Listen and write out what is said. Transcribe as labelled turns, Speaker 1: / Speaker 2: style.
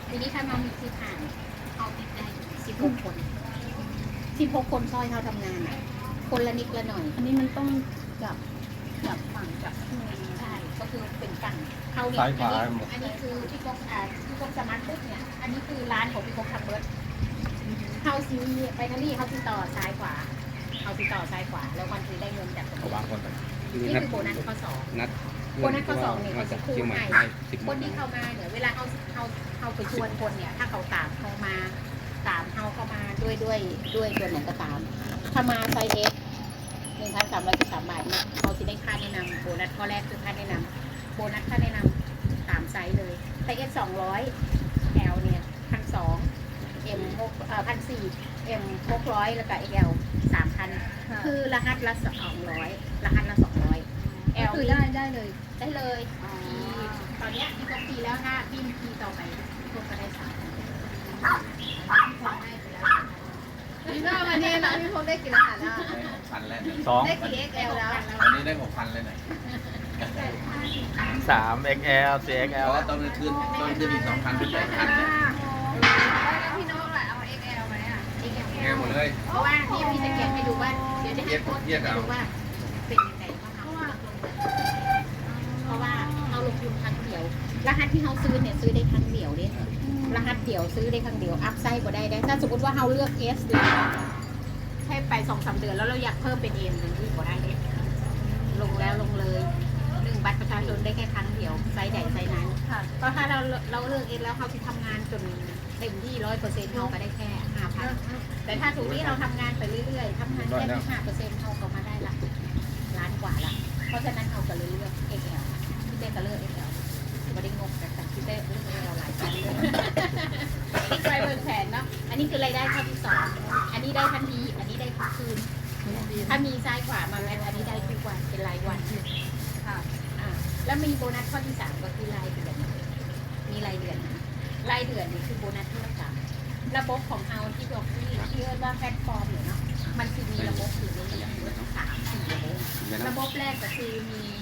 Speaker 1: ทีนี้ถ้าน้องมีที่ทางเขาติดได้16 คน16 คนซอยเขาทำงานอ่ะคนละนิดละหน่อย
Speaker 2: อันนี้มันต้องจับฝั่งจับ
Speaker 1: ใช่ก็คือเป็นฝั่งเขาเนี่ย
Speaker 3: ซ้ายขวาหมด
Speaker 1: อันนี้คือพี่ก๊กพี่ก๊กสมาร์ทปุ๊บเนี่ยอันนี้คือร้านของพี่ก๊กทำเบิร์ดเขาซีไปทางนี้เขาติดต่อซ้ายขวาเขาติดต่อซ้ายขวาแล้ววันคือได้เงินจากตรง
Speaker 3: เขา
Speaker 1: นี้
Speaker 3: วางคนไป
Speaker 1: นี่คือโบนัสข้อสอง
Speaker 3: นัด
Speaker 1: โบนัสข้อสองเนี่ย
Speaker 3: มา
Speaker 1: เขา
Speaker 3: จา
Speaker 1: จะ
Speaker 3: ก
Speaker 1: คู่
Speaker 3: เชียงใหม่
Speaker 1: ให้
Speaker 3: ได้10
Speaker 1: คนที่เข้ามาเนี่ยเวลาเขาไปชวนคนเนี่ยถ้าเขาตามเขามาตามเขาเข้ามาด้วยตัวไหนก็ตาม ถ้ามาไซส์เอส1,313 บาทเนี่ยเขาจะได้ค่าแนะนำโบนัสข้อแรกคือค่าแนะนำโบนัสค่าแนะนำตามไซส์เลยไซส์เอส200 L เนี่ย1,200 M 1,400 M 600แล้วก็ XL 3,000คือรหัสละ200รหัสละ200 L
Speaker 2: คือได้เลย
Speaker 1: ได้เลยตอนเนี้ยพี่ก็ปีแล้วถ้าพี่มีปีต่อไปพี่ก็ได้3,000ได้ไปแล้ว
Speaker 2: นี่ก็วันนี้นะพี่พงได้กี่รหัสแล้ว
Speaker 4: 6,000แล้ว
Speaker 3: 2
Speaker 2: ได้กี่ XL แล้ว
Speaker 4: วันนี้ได้ 6,000แล้วหน่อย
Speaker 3: 3 XL 4
Speaker 4: เพ
Speaker 3: XL
Speaker 4: ราะว่าตอนกลางคืนอีก 2,000 เป็น 8,000เนี่ย
Speaker 2: แล้วพี่น้องล่ะเอา XL ไหมอ่ะ
Speaker 4: แง่หมดเลย
Speaker 1: เพราะว่านี่พี่จะเก็บให้ดูว่าเดี๋ยวจะให้โค้ช
Speaker 4: เทียบ
Speaker 1: ให้
Speaker 4: เอา
Speaker 1: ดูว่าเป็นยังไงเพราะว่าเราลงทุนครั้งเดียวรหัสที่เราซื้อเนี่ยซื้อได้ครั้งเดียวเนี่ยรหัสเดียวซื้อได้ครั้งเดียวอัพไซด์ก็ได้ถ้าสมมติว่าเราเลือก S เลยใช้ไป 2-3 เดือนแล้วเราอยากเพิ่มเป็น M หนึ่งที่ก็ได้เนี่ยลงแล้วลงเลย1 บัตรประชาชนได้แค่ครั้งเดียวไซส์ใดไซส์นั้น
Speaker 2: ค่ะ
Speaker 1: ก็ถ้าเราเลือกเองแล้วเขาจะทำงานจนเต็มที่100%เขาก็ได้แค่ 5,000 แต่ถ้าสมมติเราทำงานไปเรื่อยๆทำงานแค่5%เขาก็มาได้ละล้านกว่าละเพราะฉะนั้นเขาก็เลยเลือก XL พี่เต้ก็เลือก XL ไม่ได้งงแต่พี่เต้เลือก XL หลายครั้งเลยนี่ไปเบิกแผนเนาะอันนี้คือรายได้ข้อที่2อันนี้ได้ทันทีอันนี้ได้ทุกคืนถ้ามีซ้ายขวามาแมทอันนี้ได้ทุกวันเป็นรายวัน
Speaker 2: ค่ะ
Speaker 1: แล้วมีโบนัสข้อที่3ก็คือรายเดือนมีรายเดือนนะรายเดือนนี่คือโบนัสที่เราระบบของเราที่บอกที่เรียกว่าแพลตฟอร์มเนี่ยเนาะมันคือมีระบบอยู่ในนี้3-4ระบบแรกก็คือมี